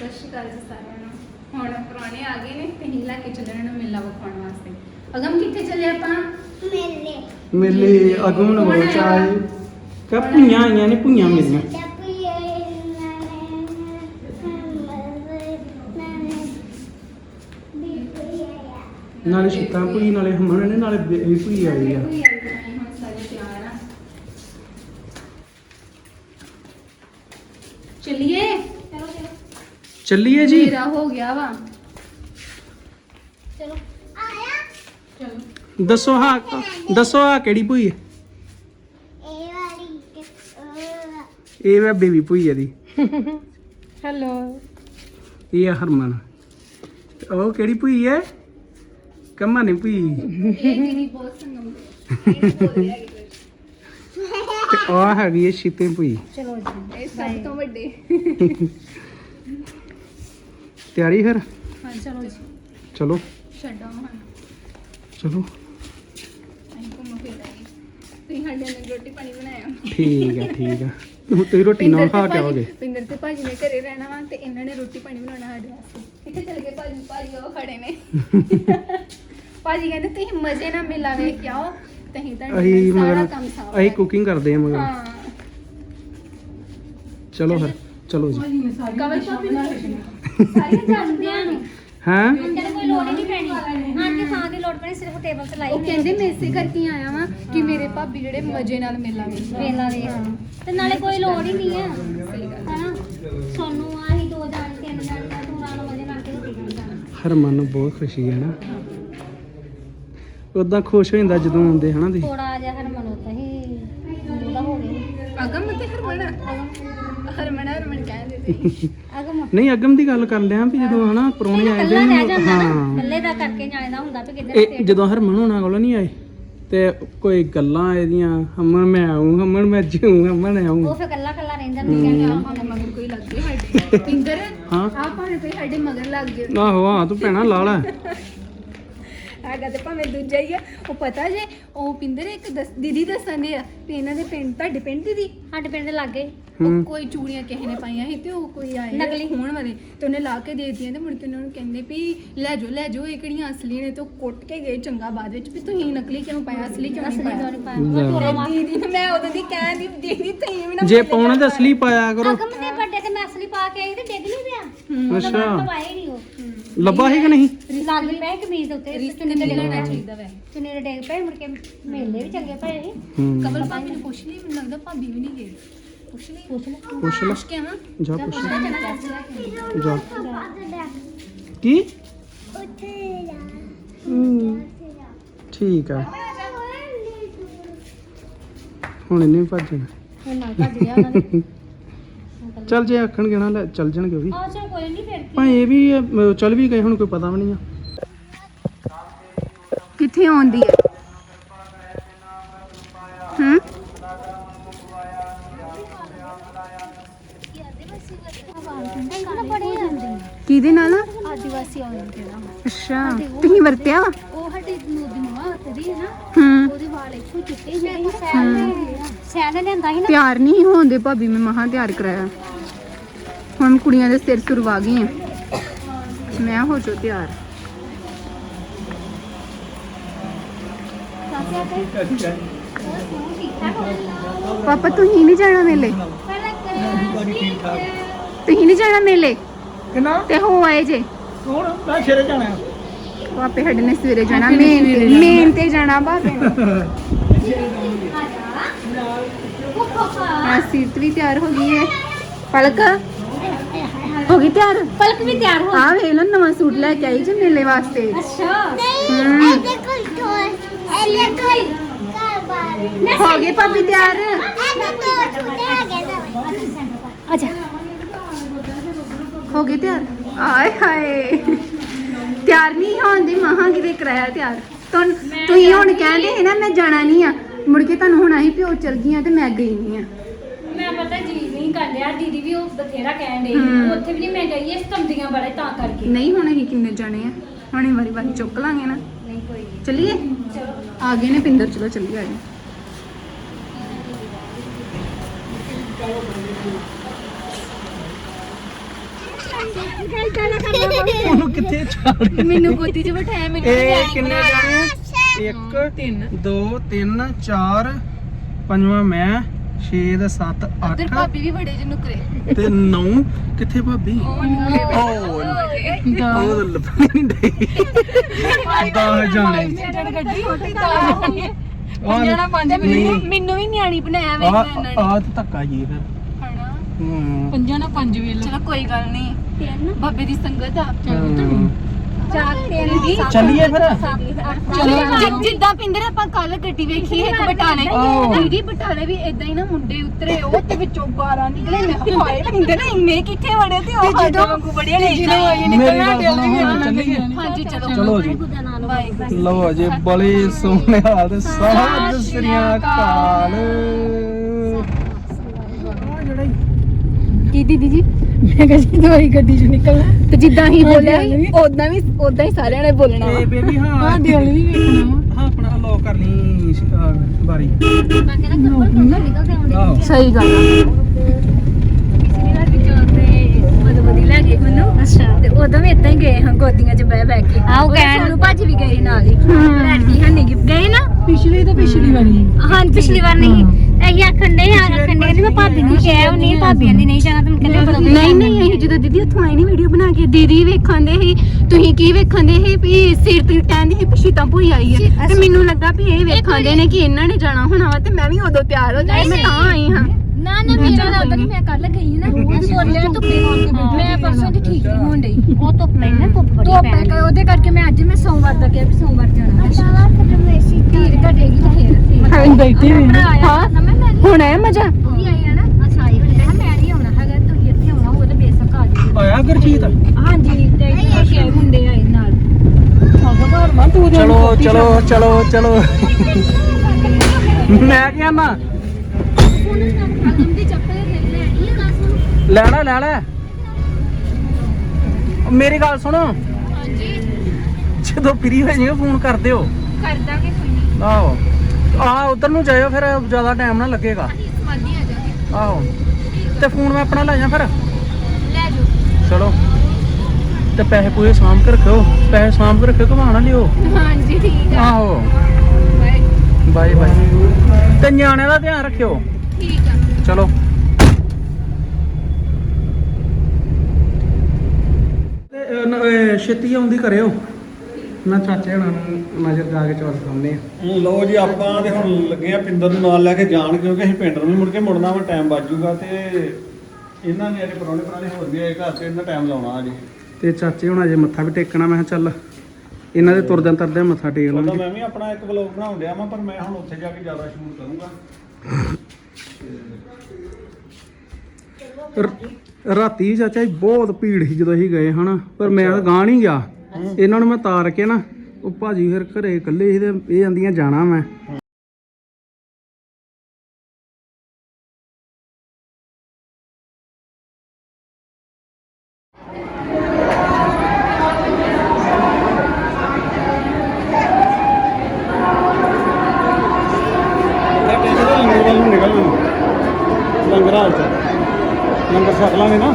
ਸਤਿ ਸ਼੍ਰੀ ਅਕਾਲ ਜੀ ਸਾਰਿਆਂ ਨੂੰ। ਹੁਣ ਪੁਰਾਣੇ ਆ ਗਏ ਨੇ ਤੇ ਹੀ ਲੈ ਕੇ ਚੱਲਣ ਨੂੰ ਮੇਲਾ ਵਿਖਾਉਣ ਵਾਸਤੇ। ਅਗਮ ਕਿੱਥੇ ਚੱਲੇ ਆਪਾਂ? ਮੇਲੇ ਅਗਮ ਨੂੰ ਬਹੁਤ ਚਾਹੇ ਕਿ ਭੁਈਆਂ ਆਈਆਂ ਨੇ, ਭੁਈਆਂ ਮੇਰੀਆਂ ਨਾਲੇ ਸ਼ੀਤਾਂ ਭੁਈ ਨਾਲੇ ਹਮਣ ਨੇ ਨਾਲੇ ਭੁਈ ਆਈ ਆ। ਹੁਣ ਸਾਰੇ ਤਿਆਰ ਆ, ਚੱਲੀਏ। ਚੱਲੀਏ ਜੀ। ਮੇਰਾ ਹੋ ਗਿਆ ਵਾ। ਚਲੋ ਦੱਸੋ ਹਾਂ ਕਿਹੜੀ ਭੁਈ ਹੈ? ਇਹ ਵਾ ਬੇਬੀ ਭੁਈ ਆ ਦੀ। ਹੈਲੋ, ਇਹ ਆ ਹਰਮਨ। ਉਹ ਕਿਹੜੀ ਭੁਈ ਹੈ? ਕੰਮਾ ਨੇ ਭੁਈ। ਇਹ ਜਿਹੜੀ ਬਹੁਤ ਸੰਗਮ ਇਹ ਬੋਲ ਰਿਹਾ ਹੈ। ਤੇ ਆ ਹੈਗੀ ਹੈ ਸ਼ੀਤੇ ਭੁਈ। ਚਲੋ ਜੀ, ਇਹ ਸਭ ਤੋਂ ਵੱਡੇ। ਤਿਆਰੀ ਫਿਰ? ਹਾਂ ਚਲੋ ਜੀ, ਚਲੋ ਛੱਡੋ ਹੁਣ। ਚਲੋ ਅਸੀਂ ਘੁੰਮ ਫਿਰ ਆਏ। ਤੁਸੀਂ ਸਾਡੇ ਨਾਲ ਰੋਟੀ ਪਾਣੀ ਬਣਾਇਆ। ਠੀਕ ਆ ਹੁਣ ਤੁਸੀਂ ਰੋਟੀ ਨਾਲ ਖਾ ਕੇ ਆਓਗੇ। ਪਿੰਦਰ ਤੇ ਭਾਜੀ ਨੇ ਘਰੇ ਰਹਿਣਾ ਵਾ ਤੇ ਇਹਨਾਂ ਨੇ ਰੋਟੀ ਪਾਣੀ ਬਣਾਉਣਾ ਸਾਡੇ ਵਾਸਤੇ। ਕਿੱਥੇ ਚਲੇ ਗਏ ਭਾਜੀ ਉਹ ਖੜੇ ਨੇ। ਭਾਜੀ ਕਹਿੰਦੇ ਤੁਸੀਂ ਮਜ਼ੇ ਨਾਲ ਮੇਲਾ ਵੇਖ ਕੇ ਆਓ, ਤੇ ਅਸੀਂ ਅਸੀਂ ਸਾਰਾ ਮਗਰ ਕੰਮ ਸਾਂਭ ਅਸੀਂ ਕੁਕਿੰਗ ਕਰਦੇ ਆ ਮਗਰ। ਹਾਂ ਚਲੋ ਫਿਰ ਚਲੋ ਜੀ। ਕਵਲ ਭਾਬੀ ਨੂੰ ਸਾਰੀਆਂ ਜਾਣਦੀਆਂ ਨੇ। ਹਾਂ ਕਹਿੰਦੇ ਕੋਈ ਲੋੜ ਹੀ ਨਹੀਂ ਪੈਣੀ। ਆਂਟੀ ਥਾਂ ਦੀ ਲੋੜ ਪੈਣੀ, ਸਿਰਫ ਟੇਬਲ ਤੇ ਲਾਈ ਉਹ ਕਹਿੰਦੇ ਮੈਂ ਇਸੇ ਕਰਕੇ ਆਇਆ ਵਾਂ ਕਿ ਮੇਰੇ ਭਾਬੀ ਜਿਹੜੇ ਮਜ਼ੇ ਨਾਲ ਮੇਲਾ ਵੇਖ ਵੇਲਾ ਵੇਖ ਤੇ ਨਾਲੇ ਕੋਈ ਲੋੜ ਹੀ ਨਹੀਂ ਆ। ਸਹੀ ਗੱਲ। ਹਨਾ ਸੋਨੂੰ ਆਹੀ 2 ਜਾਣ 3 ਜਾਣ ਤੂੰ ਨਾਲ ਮਜ਼ੇ ਨਾਲ ਕੇ ਰੋਟੀ ਖਾਣਾ। ਹਰਮਨ ਨੂੰ ਬਹੁਤ ਖੁਸ਼ੀ ਹੈ ਨਾ, ਉਦਾਂ ਖੁਸ਼ ਹੋ ਜਾਂਦਾ ਜਦੋਂ ਆਉਂਦੇ ਹਨਾ ਤੁਸੀਂ। ਥੋੜਾ ਜਿਹਾ ਹਰਮਨ ਹੁੰਦਾ ਹੀ ਉਹਦਾ ਹੋ ਗਿਆ। ਅਗਮ ਤੇ ਹਰਮਨ ਕਹਿੰਦੇ ਸੀ। ਅਗਮ ਨਹੀਂ ਅਗਮ ਦੀ ਗੱਲ ਕਰ ਲਿਆ ਵੀ ਜਦੋਂ ਹਨਾ ਪਰੌਣੇ ਆਏ ਕੱਲਾ ਰਹਿ ਜਾਂਦਾ ਨਾ, ਹਾਂ ਕੱਲੇ ਦਾ ਕਰਕੇ ਜਾਣਦਾ ਹੁੰਦਾ ਵੀ ਕਿੱਧਰ ਇਹ ਜਦੋਂ ਹਰਮਨ ਹੋਣਾ ਕੋਲ ਨਹੀਂ ਆਏ ਤੇ ਕੋਈ ਗੱਲਾਂ ਇਹਦੀਆਂ ਹਮਨ ਮੈਂ ਆਉਂ ਹਮਨ ਮੈਂ ਜੂ ਹਮਨ ਆਉਂ। ਉਹ ਫਿਰ ਕੱਲਾ ਕੱਲਾ ਰਹਿੰਦਾ ਨਹੀਂ ਕਹਿੰਦਾ ਆਪਾਂ ਮਗਰ ਕੋਈ ਲੱਗ ਗਏ ਸਾਡੇ। ਪਿੰਦਰ ਹਾਂ ਆ ਭਾਵੇਂ ਕੋਈ ਸਾਡੇ ਮਗਰ ਲੱਗ ਗਏ। ਆਹੋ ਹਾਂ ਤੂੰ ਭੈਣਾ ਲਾ ਲੈ। ਹੈਗਾ ਤੇ ਭਾਵੇਂ ਦੂਜਾ ਹੀ ਆ। ਉਹ ਪਤਾ ਜੇ ਉਹ ਪਿੰਦਰ ਇੱਕ ਦੀਦੀ ਦੱਸਣ ਦੇ ਆ ਵੀ ਇਹਨਾਂ ਦੇ ਪਿੰਡ, ਤੁਹਾਡੇ ਪਿੰਡ ਦੀਦੀ ਸਾਡੇ ਪਿੰਡ ਦੇ ਲਾਗੇ ਉਹ ਕੋਈ ਚੂੜੀਆਂ ਕਿਸੇ ਨੇ ਪਾਈਆਂ ਸੀ ਤੇ ਉਹ ਕੋਈ ਆਏ ਨਕਲੀ ਹੋਣ ਵਾਲੇ ਤੇ ਉਹਨੇ ਲਾ ਕੇ ਦੇ ਦਿੱਤੀਆਂ ਤੇ ਮੁੜ ਕੇ ਉਹਨਾਂ ਨੂੰ ਕਹਿੰਦੇ ਵੀ ਲੈ ਜਾਓ ਇਹ ਕਿਹੜੀਆਂ ਅਸਲੀ ਨੇ। ਤੇ ਉਹ ਕੁੱਟ ਕੇ ਗਏ ਚੰਗਾ ਬਾਅਦ ਵਿੱਚ ਵੀ ਤੁਸੀਂ ਨਕਲੀ ਕਿਉਂ ਪਾਇਆ, ਅਸਲੀ ਕਿਉਂ ਨਹੀਂ ਪਾਇਆ। ਦੀਦੀ ਨੂੰ ਮੈਂ ਉਦੋਂ ਦੀ ਕਹਿੰਦੀ ਦੀਦੀ ਤੁਸੀਂ ਵੀ ਨਾ ਜੇ ਪਾਉਣਾ ਤਾਂ ਅਸਲੀ ਪਾਇਆ ਕਰੋ। ਅਗਮ ਦੇ ਵੱਡੇ ਤੇ ਮੈਂ ਅਸਲੀ ਪਾ ਕੇ ਆਈ ਤੇ ਡਿੱਗ ਨਹੀਂ ਪਿਆ। ਅੱਛਾ ਪਾਏ ਨਹੀਂ ਉਹ ਲੱਭਾ ਸੀ ਕਿ ਨਹੀਂ? ਲੱਗ ਪਏ ਕਮੀਜ਼ ਦੇ ਉੱਤੇ ਰਿਸ਼ਤੇ ਤੇ ਲੈਣਾ ਚਾਹੀਦਾ ਵੈ। ਚੁੰਨੀ ਦੇ ਡਿੱਗ ਪਏ, ਮੁੜ ਕੇ ਮੇਲੇ ਵੀ ਚੰਗੇ ਪਏ ਸੀ। ਕਮਲ ਭਾਬੀ ਨੂੰ ਪੁੱਛ ਲਈ, ਮੈਨੂੰ ਲੱਗਦਾ ਭਾਬੀ ਵੀ ਨਹੀਂ ਗਈ। ਪੁੱਛ ਲਈ ਪੁੱਛ ਲੈ ਪੁੱਛ ਕੇ ਆਵਾਂ। ਜਾ ਪੁੱਛ ਲੈ ਜਾ ਜਾ ਕੀ ਠੀਕ ਆ ਹੁਣ ਇਹਨੇ ਵੀ ਭੱਜਣਾ। ਹੁਣ ਨਾਲ ਭੱਜ ਗਿਆ ਉਹਨਾਂ ਨੇ। ਚੱਲ ਜੇ ਆਖਣਗੇ ਨਾ ਲੈ ਚੱਲ ਜਾਣਗੇ ਉਹ ਵੀ ਆ ਚਲ ਕੋਈ ਨਹੀਂ ਫਿਰ ਭਾਵੇਂ ਇਹ ਵੀ ਚੱਲ ਵੀ ਗਏ ਹੁਣ ਕੋਈ ਪਤਾ ਵੀ ਨਹੀਂ ਆ ਕਿੱਥੇ ਆਉਂਦੀ ਹੈ। ਕਿਹਦੇ ਨਾਲ? ਆਦੀਵਾਸੀ ਆਉਂਦੇ ਨਾ। ਅੱਛਾ ਤੁਸੀਂ ਵਰਤਿਆ ਵਾ? ਉਹ ਸਾਡੀ ਨੂਰ ਦੀ ਮਮਾ ਵਰਤਦੀ ਹੈ ਨਾ, ਹੂੰ ਉਹਦੇ ਵਾਲ ਇੱਥੋਂ ਚਿੱਟੇ ਜਿਹੇ ਸੈਨ ਲੈਂਦਾ ਸੀ ਨਾ। ਤਿਆਰ ਨਹੀਂ ਹੋਂਦੇ ਭਾਬੀ, ਮੈਂ ਮਹਾ ਤਿਆਰ ਕਰਾਇਆ। ਹੁਣ ਕੁੜੀਆਂ ਦੇ ਸਿਰ ਸੁਰਵਾ ਗਈ ਆ। ਮੈਂ ਹੋ ਜੋ ਤਿਆਰ। ਪਾਪਾ ਤੁਸੀਂ ਨਹੀਂ ਜਾਣਾ ਮੇਲੇ? ਤੁਸੀਂ ਨਹੀਂ ਜਾਣਾ ਮੇਲੇ ਕਿੰਨਾ ਤੇ ਹੋ ਆਏ ਜੇ? ਹੁਣ ਮੈਂ ਛੇਰੇ ਜਾਣਾ ਪਾਪੇ ਸਾਡੇ ਨੇ ਸਵੇਰੇ ਜਾਣਾ ਮੇਨ ਤੇ ਜਾਣਾ ਭਾਪੇ ਨੇ। ਸੀਟ ਵੀ ਤਿਆਰ ਹੋ ਗਈ ਹੈ। ਪਲਕ ਹੋ ਗਈ ਤਿਆਰ? ਪਲਕ ਵੀ ਤਿਆਰ ਹੋ। ਆ ਵੇਖ ਲੋ ਨਵਾਂ ਸੂਟ ਲੈ ਕੇ ਆਈ ਜੇ ਮੇਲੇ ਵਾਸਤੇ। ਅੱਛਾ ਹੋ ਗਏ ਭਾਬੀ ਤਿਆਰ? ਅੱਛਾ ਹੋ ਗਏ ਤਿਆਰ? ਆਏ ਹਾਏ ਤਿਆਰ ਨਹੀਂ ਹੋਂਦੀ ਮਹਾ ਕਿਤੇ ਕਰਾਇਆ ਤਿਆਰ। ਤੁਸੀਂ ਹੁਣ ਕਹਿੰਦੇ ਸੀ ਨਾ ਮੈਂ ਜਾਣਾ ਨਹੀਂ ਆ, ਮੁੜ ਕੇ ਤੁਹਾਨੂੰ ਹੁਣ ਆਹੀ ਪਿਓ ਚਲ ਗਈਆਂ ਤੇ ਮੈਂ ਗਈ ਨਹੀਂ ਆ। ਮੈਂ ਪਤਾ ਜੀ ਨਹੀਂ ਕਰ ਲਿਆ, ਦੀਦੀ ਵੀ ਉਹ ਬਥੇਰਾ ਕਹਿਣ ਡਈ ਹਮ। ਉੱਥੇ ਵੀ ਨਹੀਂ ਮੈਂ ਗਈ, ਇਸ ਕੰਦੀਆਂ ਬੜੇ ਤਾਂ ਕਰਕੇ। ਨਹੀਂ ਹੁਣ ਅਸੀਂ ਕਿੰਨੇ ਜਾਣੇ ਆ, ਹੁਣ ਵਾਰੀ ਵਾਰੀ ਚੁੱਕ ਲਾਂਗੇ ਨਾ। ਨਹੀਂ ਕੋਈ ਨਹੀਂ, ਚਲਿਏ ਚਲੋ ਆ ਗਏ ਨੇ ਪਿੰਦਰ, ਚਲੋ ਚੱਲੀਏ ਆ ਜਾਓ। ਉਹਨੂੰ ਕਿੱਥੇ ਛਾੜ ਮੈਨੂੰ ਗੋਦੀ 'ਚ ਬਿਠਾਇਆ ਮੈਨੂੰ ਇਹ ਕਿੰਨੇ ਜਾਣੇ 1 3 2 3 4 ਪੰਜਵਾਂ ਮੈਂ 6 ਦਾ 7 ਉਧਰ 8 ਭਾਬੀ ਵੀ ਬੜੇ ਜਿਹੇ ਨੁਕਰੇ ਤੇ 9 ਕਿੱਥੇ ਭਾਬੀ ਉਹ ਲੱਭਣੀ ਨਹੀਂ ਡਈ 10 ਜਾਣੇ ਗੱਡੀ ਹੋਟੀ ਤਾਂ ਮੈਨੂੰ ਵੀ ਨਿਆਣੀ ਬਣਾਇਆ ਵੇ ਇਹਨਾਂ ਨੇ ਆ ਤੇ ਧੱਕਾ ਜੀ ਫਿਰ ਹਣਾ ਹੂੰ ਪੰਜਾਂ ਨਾਲ 5 ਵੇਲ ਚਲੋ ਕੋਈ ਗੱਲ ਨਹੀਂ ਬਾਬੇ ਦੀ ਸੰਗਤ ਆ ਚੱਲੀਏ ਫਿਰ ਜਿੱਦਾਂ ਪਿੰਦਰ ਆਪਾਂ ਕੱਲ ਗੱਡੀ ਵੇਖੀ ਇੱਕ ਬਟਾਲੇ ਦੀਦੀ ਬਟਾਲੇ ਵੀ ਇਦਾਂ ਹੀ ਨਾ ਮੁੰਡੇ ਉਤਰੇ ਉਹ ਤੇ ਵਿੱਚੋਂ 12 ਨਿਕਲੇ ਮੈਂ ਕਿਹਾ ਹਾਏ ਪਿੰਦਰ ਇੰਨੇ ਕਿੱਥੇ ਵੜੇ ਤੇ ਉਹ ਸਾਡੇ ਵਾਂਗੂ ਬੜੀਆਂ ਨੇ ਮੇਰੀ ਗੱਲ ਸੁਣੋ ਚੱਲੀਏ ਹਾਂਜੀ ਚਲੋ ਚਲੋ ਜੀ ਲਓ ਜੀ ਬੜੇ ਸੋਹਣੇ ਹਾਲ ਤੇ ਸਤਿ ਸ੍ਰੀ ਅਕਾਲ ਕੀ ਦੀਦੀ ਜੀ ਮੈਂ ਕਿਹਾ ਜੀ ਦਵਾਈ ਗੱਡੀ ਚੋਂ ਨਿਕਲਣਾ ਤੇ ਜਿੱਦਾਂ ਹੀ ਬੋਲਿਆ ਉਦਾਂ ਹੀ ਸਾਰਿਆਂ ਨੇ ਬੋਲਣਾ ਏ ਬੇਬੀ ਹਾਂ ਦਿਲ ਵੀ ਵੇਖਣਾ ਹਾਂ ਆਪਣਾ ਲੋਕ ਕਰ ਲਈ ਬਾਰੀ ਮੈਂ ਕਹਿੰਦਾ ਕੱਪੜ ਤੋਂ ਨਿਕਲਦੇ ਆਉਂਦੇ ਆਹੋ ਸਹੀ ਗੱਲ ਪਿਛਲੀ ਵਾਰ ਵੀ ਚੋਤੇ ਮਦਵਦੀ ਲੈ ਗਏ ਮੈਨੂੰ ਅੱਛਾ ਤੇ ਉਦੋਂ ਵੀ ਇਦਾਂ ਹੀ ਗਏ ਹਾਂ ਗੋਦੀਆਂ 'ਚ ਬਹਿ ਕੇ ਆਹ ਕਹਿਣ ਨੂੰ ਭਾਜੀ ਵੀ ਗਏ ਨਾਲ ਹੀ ਲੜਦੀ ਹੰਨੀ ਗਏ ਨਾ ਪਿਛਲੀ ਵਾਰੀ ਹਾਂ ਪਿਛਲੀ ਵਾਰ ਨਹੀਂ ਇਹ ਆਖਣ ਦੇ ਮੈਂ ਭਾਬੀ ਨੂੰ ਕਿਹਾ ਉਹ ਨਹੀਂ ਭਾਬੀਆਂ ਦੀ ਨਹੀਂ ਜਾਣਾ ਤੁਮ ਕਹਿੰਦੇ ਨਹੀਂ ਅਸੀਂ ਜਦੋਂ ਦੀਦੀ ਉੱਥੋਂ ਆਏ ਨਹੀਂ ਵੀਡੀਓ ਬਣਾ ਕੇ ਦੀਦੀ ਵੇਖਾਂਦੇ ਸੀ ਤੁਸੀਂ ਕੀ ਵੇਖਾਂਦੇ ਸੀ ਵੀ ਸਿਰ ਤੇ ਕਹਿੰਦੀ ਸੀ ਪਿਛੀ ਤਾਂ ਭੂਈ ਆਈ ਹੈ ਤੇ ਮੈਨੂੰ ਲੱਗਾ ਵੀ ਇਹ ਵੇਖਾਂਦੇ ਨੇ ਕਿ ਇਹਨਾਂ ਨੇ ਜਾਣਾ ਹੋਣਾ ਵਾ ਤੇ ਮੈਂ ਵੀ ਉਦੋਂ ਤਿਆਰ ਹੋ ਜਾਈ ਮੈਂ ਤਾਂ ਆਈ ਹਾਂ ਨਾ ਮੇਰਾ ਲੱਗਦਾ ਕਿ ਮੈਂ ਕੱਲ ਗਈ ਨਾ ਬੋਲਿਆ ਧੁੱਪੇ ਮੈਂ ਪਰਸੋਂ ਦੀ ਠੀਕ ਨਹੀਂ ਹੋਣ ਡਈ ਉਹ ਧੁੱਪ ਨਹੀਂ ਨਾ ਧੁੱਪ ਬੜੀ ਪੈ ਗਈ ਉਹਦੇ ਕਰਕੇ ਮੈਂ ਅੱਜ ਮੈਂ ਸੋਮਵਾਰ ਦਾ ਕਿਹਾ ਵੀ ਸੋਮਵਾਰ ਜਾਣਾ ਧੀਰ ਘਟੇਗੀ ਤੇ ਫੇਰ ਬੈਠੀ ਹੋਈ ਹਾਂ ਹੁਣ ਆਇਆ ਮਜ਼ਾ ਉਹ ਵੀ ਆਈ ਹੈ ਨਾ ਅੱਛਾ ਆਈ ਹੋਈ ਹੈ ਮੈਂ ਨਹੀਂ ਆਉਣਾ ਹੈਗਾ ਤੁਸੀਂ ਇੱਥੇ ਆਉਣਾ ਹੋਵੇ ਤਾਂ ਬੇਸ਼ੱਕ ਆ ਜਾਓ ਆਇਆ ਗੁਰਜੀਤ ਹਾਂਜੀ ਤੇ ਇੱਥੇ ਮੁੰਡੇ ਆਏ ਨਾਲ ਚਲੋ ਚਲੋ ਚਲੋ ਚਲੋ ਮੈਂ ਕਿਹਾ ਨਾ ਦੀ ਚੱਪਲ ਲੈਣੀ ਹੈ ਦੱਸ ਲੈਣਾ ਲੈ ਲੈ ਮੇਰੀ ਗੱਲ ਸੁਣੋ ਹਾਂਜੀ ਜਦੋਂ ਫ੍ਰੀ ਹੋ ਜਾਈਓ ਫੋਨ ਕਰ ਦਿਓ ਕਰ ਦਾਂਗੇ ਕੋਈ ਨਹੀਂ ਆਹੋ ਆ ਉਧਰ ਨੂੰ ਜਾਇਓ ਫਿਰ ਜ਼ਿਆਦਾ ਟਾਈਮ ਨਾ ਲੱਗੇਗਾ ਸਮਾਧੀ ਆ ਜਾਗੇ ਆਹੋ ਤੇ ਫੋਨ ਮੈਂ ਆਪਣਾ ਲੈ ਜਾ ਫਿਰ ਲੈ ਜਾਓ ਚਲੋ ਤੇ ਪੈਸੇ ਪੂਰੇ ਸਾਂਭ ਕੇ ਰੱਖਿਓ ਪੈਸੇ ਸਾਂਭ ਕੇ ਰੱਖਿਓ ਘੁਮਾ ਨਾ ਲਿਓ ਹਾਂਜੀ ਠੀਕ ਆ ਆਹੋ ਬਾਏ ਬਾਏ ਬਾਏ ਤੇ ਨਿਆਣਿਆਂ ਦਾ ਧਿਆਨ ਰੱਖਿਓ ਠੀਕ ਆ ਚਲੋ ਤੇ ਛੇਤੀ ਆਉਂਦੀ ਕਰਿਓ ਮੈਂ ਚਾਚੇ ਹੁਣਾਂ ਨੂੰ ਨਜ਼ਰ ਜਾ ਕੇ ਚੌਲ ਖਾਂਦੇ ਆ ਲਓ ਜੀ ਆਪਾਂ ਤੇ ਹੁਣ ਲੱਗੇ ਆ ਪਿੰਦਰ ਨੂੰ ਨਾਲ ਲੈ ਕੇ ਜਾਣ ਕਿਉਂਕਿ ਅਸੀਂ ਪਿੰਡ ਨੂੰ ਵੀ ਮੁੜ ਕੇ ਮੁੜਨਾ ਵਾ ਟਾਈਮ ਬਚ ਜੂਗਾ ਤੇ ਇਹਨਾਂ ਨੇ ਅਜੇ ਪੁਰਾਣੇ ਹੋਰ ਵੀ ਆਏ ਘਰ ਤੇ ਇਹਨਾਂ ਟਾਈਮ ਲਾਉਣਾ ਅਜੇ ਤੇ ਚਾਚੇ ਹੁਣ ਅਜੇ ਮੱਥਾ ਵੀ ਟੇਕਣਾ ਮੈਂ ਕਿਹਾ ਚੱਲ ਇਹਨਾਂ ਦੇ ਤੁਰਦਿਆਂ ਤਰਦਿਆਂ ਮੱਥਾ ਟੇਕ ਉਦੋਂ ਲਾਂਗੇ ਮੈਂ ਵੀ ਆਪਣਾ ਇੱਕ ਵਲੌਗ ਬਣਾਉਣ ਡਿਆ ਵਾਂ ਪਰ ਮੈਂ ਹੁਣ ਉੱਥੇ ਜਾ ਕੇ ਜ਼ਿਆਦਾ ਸ਼ੂਟ ਕਰੂੰਗਾ ਰਾਤੀ ਚਾਚਾ ਜੀ ਬਹੁਤ ਭੀੜ ਸੀ ਜਦੋਂ ਅਸੀਂ ਗਏ ਹਨਾ ਪਰ ਮੈਂ ਤਾਂ ਗਾਂ ਨਹੀਂ ਗਿਆ ਇਹਨਾਂ ਨੂੰ ਮੈਂ ਤਾਰ ਕੇ ਨਾ ਉਹ ਭਾਜੀ ਫਿਰ ਘਰੇ ਇਕੱਲੇ ਸੀ ਤੇ ਇਹ ਜਾਂਦੀਆਂ ਜਾਣਾ ਮੈਂ ਲੰਗਰ ਵੱਲ ਨੂੰ ਨਿਕਲ ਲੰਗਰ ਹਾਲ ਚ ਲੰਗਰ ਛਕ ਲਾਂਗੇ ਨਾ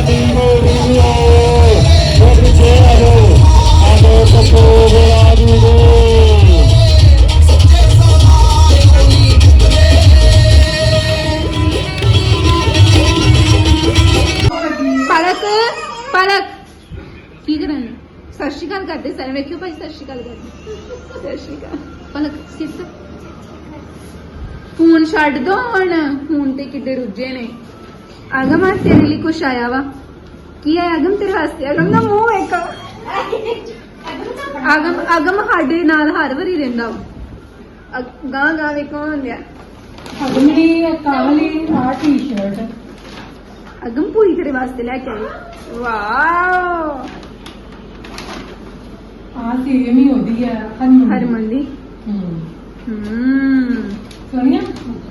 ਪਲਕ ਪਲਕ ਕੀ ਕਰਨ ਸਤਿ ਸ਼੍ਰੀ ਅਕਾਲ ਕਰਦੇ ਸਾਰੇ ਵੇਖਿਓ ਭਾਈ ਸਤਿ ਸ਼੍ਰੀ ਅਕਾਲ ਕਰਦੇ ਸਤਿ ਸ਼੍ਰੀ ਅਕਾਲ ਪਲਕ ਸਿੱਟ ਫੋਨ ਛੱਡ ਦੋ ਹੁਣ ਫੋਨ ਤੇ ਕਿੱਡੇ ਰੁੱਝੇ ਨੇ ਆਗਮ ਆ ਤੇਰੇ ਲਈ ਕੁਛ ਆਇਆ ਵਾ ਕੀ ਹੈ ਆਗਮ ਤੇਰੇ ਵਾਸਤੇ ਆਗਮ ਦਾ ਮੂੰਹ ਇੱਕ ਆਗਮ ਸਾਡੇ ਨਾਲ ਹਰ ਵਾਰੀ ਰਹਿੰਦਾ ਵਾ ਗਾਂ ਗਾਂ ਵੇਖੋ ਹੁੰਦਿਆ ਅਗਲੀ ਕਾਲੀ ਆ ਟੀ-ਸ਼ਰਟ ਅਗਮ ਪੂਰੀ ਤੇਰੇ ਵਾਸਤੇ ਲੈ ਕੇ ਆਈ ਵਾਓ ਆ ਸੇਮ ਹੀ ਉਹਦੀ ਆ ਹਰਮਨ ਦੀ ਸੋਨੀਆ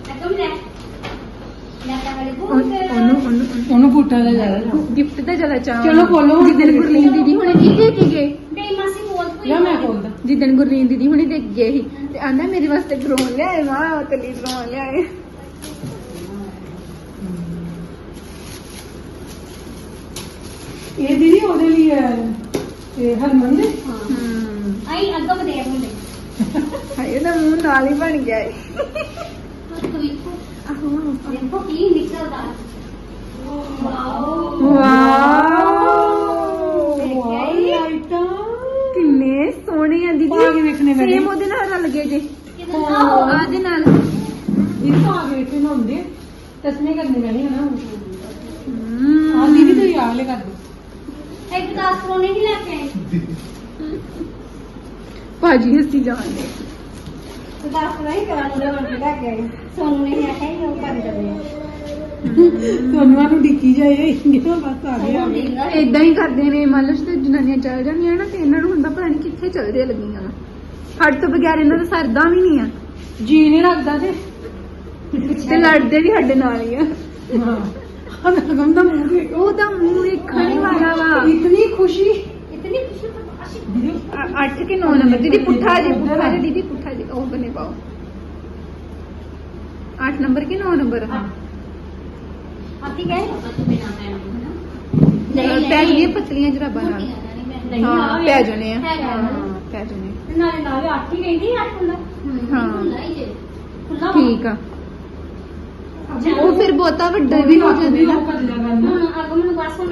ਉਹਨੂੰ ਬੂਟਾ ਦਾ ਜ਼ਿਆਦਾ ਗਿਫਟ ਦਾ ਜ਼ਿਆਦਾ ਚਾਹ ਚਲੋ ਖੋਲੋ ਹੁਣ। ਜਿੱਦਣ ਗੁਰਲੀਨ ਦੀਦੀ ਹੁਣੇ ਕੀ ਦੇ ਕੇ ਗਏ ਜਾਂ ਮੈਂ ਖੋਲਦਾ ਜਿੱਦਣ ਗੁਰਲੀਨ ਦੀਦੀ ਹੁਣੇ ਦੇ ਕੇ ਗਏ ਸੀ ਤੇ ਆਂਦਾ ਮੇਰੇ ਵਾਸਤੇ ਡਰੋਨ ਲਿਆਏ ਮਾਂ ਤਲੀ ਡਰੋਨ ਲਿਆਏ ਇਹ ਦੀਦੀ ਉਹਦੇ ਲਈ ਇਹ ਹਰਮਨ ਦੇ ਹਾਏ ਦਾ ਮੂੰਹ ਨਾਲ ਹੀ ਬਣ ਗਿਆ ਏ ਕਿੰਨੇ ਸੋਹਣੇ ਆ ਦੀਦੀ ਪਾ ਕੇ ਵੇਖਣੇ ਪੈਣੇ। ਸੇਮ ਉਹਦੇ ਨਾਲ ਰਲ ਗਏ ਜੇ ਆਦੇ ਨਾਲ ਇਹ ਤਾਂ ਆ ਗਏ ਇੱਥੇ ਹੁੰਦੇ ਤਸਮੇ ਕਰਨੇ ਪੈਣੇ ਹੈ ਨਾ ਆ ਦੀਦੀ ਤੂੰ ਯਾਦ ਲੈ ਕਰ ਦੇ ਭਾਜੀ ਹੱਸੀ ਜਾਂਦੇ ਸੋਨੂਆ ਨੂੰ ਡਿੱਕੀ ਜਾਏ ਬਸ ਆ ਗਿਆ ਏਦਾਂ ਹੀ ਕਰਦੇ ਨੇ ਮੰਨ ਲਓ ਤੇ ਜਨਾਨੀਆਂ ਚੱਲ ਜਾਂਦੀਆਂ ਨਾ ਤੇ ਇਹਨਾਂ ਨੂੰ ਹੁੰਦਾ ਪਤਾ ਨਹੀਂ ਕਿੱਥੇ ਚੱਲਦੇ ਲੱਗੀਆਂ ਵਾ ਸਾਡੇ ਤੋਂ ਬਗੈਰ ਇਹਨਾਂ ਦਾ ਸਰਦਾ ਵੀ ਨਹੀਂ ਆ ਜੀ ਨਹੀਂ ਲੱਗਦਾ ਤੇ ਲੜਦੇ ਵੀ ਸਾਡੇ ਨਾਲ ਹੀ ਆ ਹਾਂ ਅਗਮ ਦਾ ਮੂੰਹ ਦੇਖ ਉਹਦਾ ਮੂੰਹ ਵੇਖਣ ਹੀ ਵਾਲਾ ਵਾ ਇਤਨੀ ਖੁਸ਼ੀ 8 ਕੇ 9 ਨੰਬਰ ਦੀਦੀ ਪੁੱਠਾ ਜੇ ਦੀਦੀ ਪੁੱਠਾ ਜੇ ਉਹ ਬਨੇ ਪਾਓ 8 ਨੰਬਰ ਕੇ 9 ਨੰਬਰ ਪੈ ਗਈਆਂ ਪਤਲੀਆਂ ਜਰਾਬਾਂ ਨਾਲ ਹਾਂ ਪੈ ਜਾਣੇ ਆ ਪੈ ਜਾਣੇ ਹਾਂ ਠੀਕ ਆ ਉਹ ਫਿਰ ਬਹੁਤਾ ਵੱਡਾ ਵੀ ਹੋ ਜਾਂਦਾ ਨਾ ਕਰ ਲਿਆ ਕਰਨਾ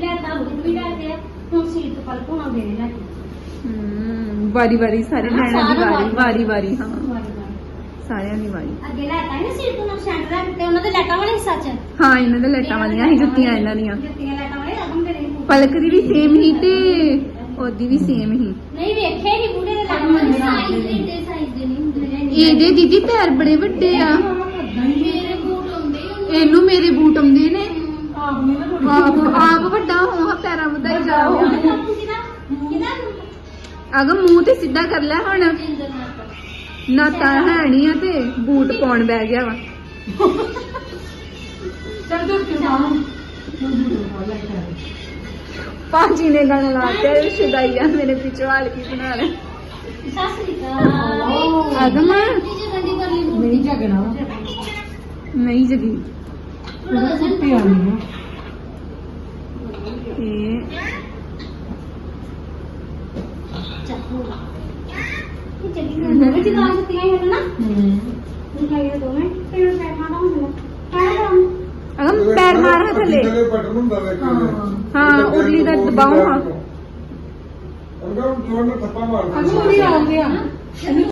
ਵਾਰੀ ਵਾਰੀ ਸਾਰੇ ਲੈਣਾ ਦੀ ਵਾਰੀ ਵਾਰੀ ਹਾਂ ਸਾਰਿਆਂ ਦੀ ਵਾਰੀ ਹਾਂ ਇਹਨਾਂ ਦੇ ਲੈਟਾਂ ਵਾਲੀਆਂ ਹੀ ਜੁੱਤੀਆਂ ਇਹਨਾਂ ਦੀਆਂ ਪਲਕ ਦੀ ਵੀ ਸੇਮ ਹੀ ਤੇ ਉਹਦੀ ਵੀ ਸੇਮ ਹੀ ਇਹਦੇ ਦੀਦੀ ਪੈਰ ਬੜੇ ਵੱਡੇ ਆ ਇਹਨੂੰ ਮੇਰੇ ਬੂਟ ਆਉਂਦੇ ਨੇ ਆਪ ਵੱਡਾ ਹੋ ਪੈਰਾਂ ਵਧਾ ਹੀ ਜਾਓ ਅਗਮ ਮੂੰਹ ਤੇ ਸਿੱਧਾ ਕਰ ਲੈ ਹੁਣ ਨਾ ਤਾਂ ਹੈ ਨਹੀਂ ਆ ਤੇ ਬੂਟ ਪਾਉਣ ਬਹਿ ਗਿਆ ਵਾ ਚੱਲ ਦੋ ਕਿ ਮਾਂ ਭਾਜੀ ਨੇ ਗਾਣਾ ਲਾ ਕੇ ਸ਼ੁਦਾਈ ਆ ਮੇਰੇ ਪਿਛਵਾਲ ਕੀ ਬਣਾ ਲੈ ਅਗਮ ਨਹੀਂ ਝਗਣਾ ਨਹੀਂ ਜਗੀ ਉਹਦਾ ਸੁੱਤੇ ਆਣੀ ਤੇ ਅਗਮ ਪੈਰ ਮਾਰ ਥੱਲੇ ਬਟਨ ਹੁੰਦਾ ਵੇਖੋ ਹਾਂ ਉਰਲੀ ਦਾ ਦਬਾਓ ਹਾਂ ਅੰਦਰ ਜੋੜ ਨੂੰ ਥੱਪਾ ਮਾਰ ਅਗਮ ਵੀ ਆ ਗਿਆ